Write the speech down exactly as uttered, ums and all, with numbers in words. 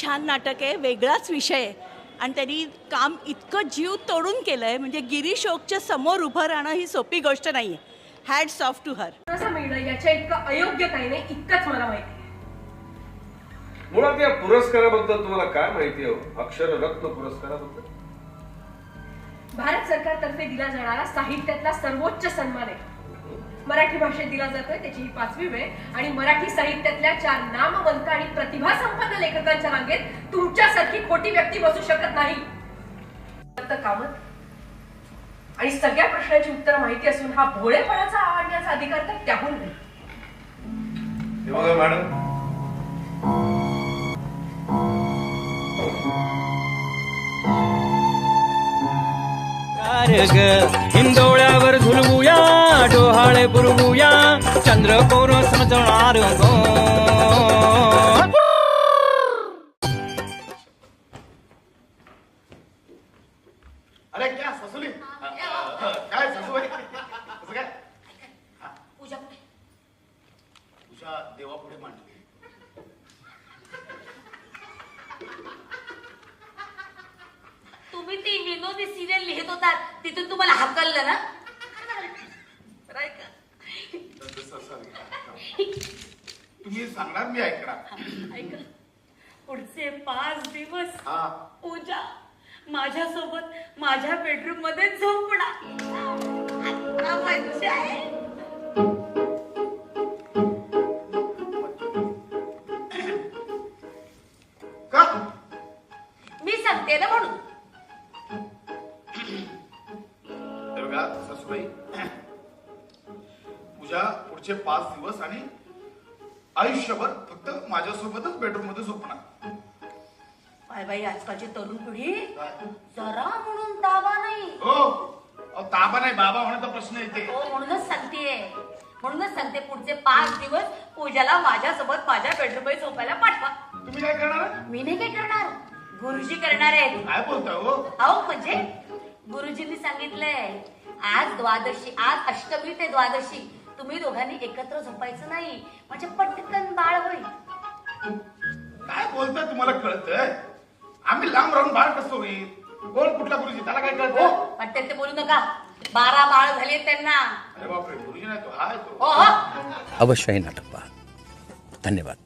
छान नाटक आहे, वेगळाच विषय आहे आणि त्यांनी काम इतकं जीव तोडून केलं आहे, म्हणजे गिरीश ओकच्या समोर उभं राहणं ही सोपी गोष्ट नाही आहे. Hats off to her. असं मिळणं याच्या इतकं अयोग्य काही नाही, इतकंच मला माहिती आहे. मुळात या पुरस्काराबद्दल तुम्हाला काय माहिती आहे? अक्षररत्न पुरस्काराबद्दल भारत सरकारतर्फे दिला जाणारा साहित्यातला सर्वोच्च सन्मान आहे. मराठी भाषेत दिला जातोय, त्याची ही पाचवी वेळ आणि मराठी साहित्यातल्या चार नामवंत आणि प्रतिभासंपन्न लेखकांच्या रांगेत तुमच्यासारखी खोटी व्यक्ती बसू शकत नाही. कामत आणि सगळ्या प्रश्नांची उत्तर माहिती असून हा भोळेपणाचा आवडण्याचा अधिकार तर त्याहून नाही. मॅडम हिंदोळ्यावर झुलवूया, डोहाळे पुरवूया, चंद्र कोर समजणार गो. अरे क्या ससुली काय ससुबाई कसं काय? पूजा पूजा देवापुढे मांडली. तुम्ही ती विनोदी सिरियल लिहित होतात तिथून तुम्हाला हाकललं ना? तुम्ही सांगणार मी ऐकणार. ऐक, पुढचे पाच दिवस हा पूजा माझ्यासोबत माझ्या बेडरूम मध्ये झोपणार. आता मज्जा आहे. का? मी सांगते ना म्हणून. तर बघा सासूबाई, पूजा पुढचे पाच दिवस आणि आयुष्यभर फक्त माझ्यासोबतच बेडरूम मध्ये झोपणार. बाय बाई, आजकालची तरुण पिढी जरा म्हणून दावा नाही. हो अहो, ताबा नाही बाबा होण्याचा प्रश्न येते. हो, म्हणूनच सांगतेय म्हणूनच सांगते पुढचे पाच दिवस पूजाला माझ्यासोबत माझ्या बेडरूम मध्ये झोपायला पाठवा. तुम्ही काय करणार? मी नाही काय करणार, गुरुजी करणार आहेत. काय बोलता हो? अहो म्हणजे गुरुजींनी सांगितलंय आज द्वादशी, आज अष्टमी ते द्वादशी तुम्ही दोघांनी एकत्र झोपायचं नाही, म्हणजे पटकन बाळ होईल. काय बोलताय? तुम्हाला कळतंय? आम्ही लांब राहून बाळ कसं होईल? कोण कुठला गुरुजी? त्याला काय हो, कळतं? वाटतं ते बोलू नका. बारा बाळ झाले त्यांना. अरे बापरे, गुरुजी नाही तो, हाय तो. हो हो अवश्य हे नाटक पहा. धन्यवाद.